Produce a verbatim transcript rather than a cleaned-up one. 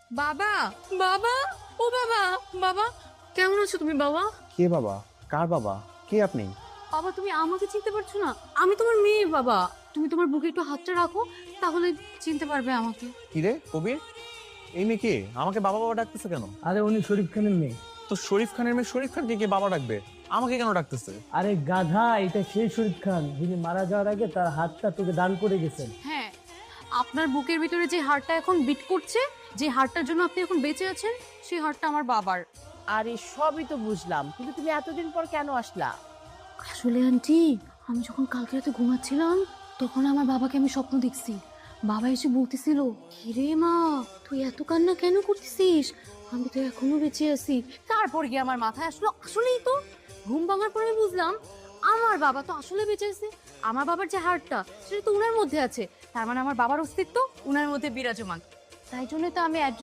বাবা, বাবা, ও বাবা, বাবা কেমন আছো তুমি বাবা? কে বাবা? কার বাবা? কে আপনি? বাবা তুমি আমাকে চিনতে পারছো না? আমি তোমার মেয়ে বাবা। তুমি তোমার বুকে একটু হাতটা রাখো, তাহলে চিনতে পারবে আমাকে। কি রে কবির, এই মেয়ে কে? আমাকে বাবা বাবা ডাকতেছে কেন? আরে উনি শরীফ খানের মেয়ে। তো শরীফ খানের মেয়ে শরীফ খানকে কে বাবা ডাকবে? আমাকে কেন ডাকতেছে? আরে গাধা, এটা সেই শরীফ খান যিনি মারা যাওয়ার আগে তার হাতটা তোকে দান করে গেছেন। হ্যাঁ, আপনার বুকের ভিতরে যে হাড়টা এখন বিট করছে, যে হাড়টার জন্য আপনি এখন বেঁচে আছেন, সেই হাড়টা আমার বাবার। আরে সবই তো বুঝলাম, কিন্তু তুমি এতদিন পর কেন আসলা? আসলে আন্টি, আমি যখন কালকে রাতে ঘুমাচ্ছিলাম, তখন আমার বাবাকে আমি স্বপ্ন দেখছি। বাবা এসে বলতেছিল, কিরে মা, তুই এত কান্না কেন করতেছিস? আমি তো এখনো বেঁচে আছি। তারপর গিয়ে আমার মাথায় আসলো, আসলেই তো। ঘুম ভাঙার পরে আমি বুঝলাম, আমার বাবা তো আসলে বেঁচে আছে। আমার বাবার যে হাড়টা, সেটা তো উনার মধ্যে আছে। তার মানে আমার বাবার অস্তিত্ব উনার মধ্যে বিরাজমান। তাই জন্য তো আমি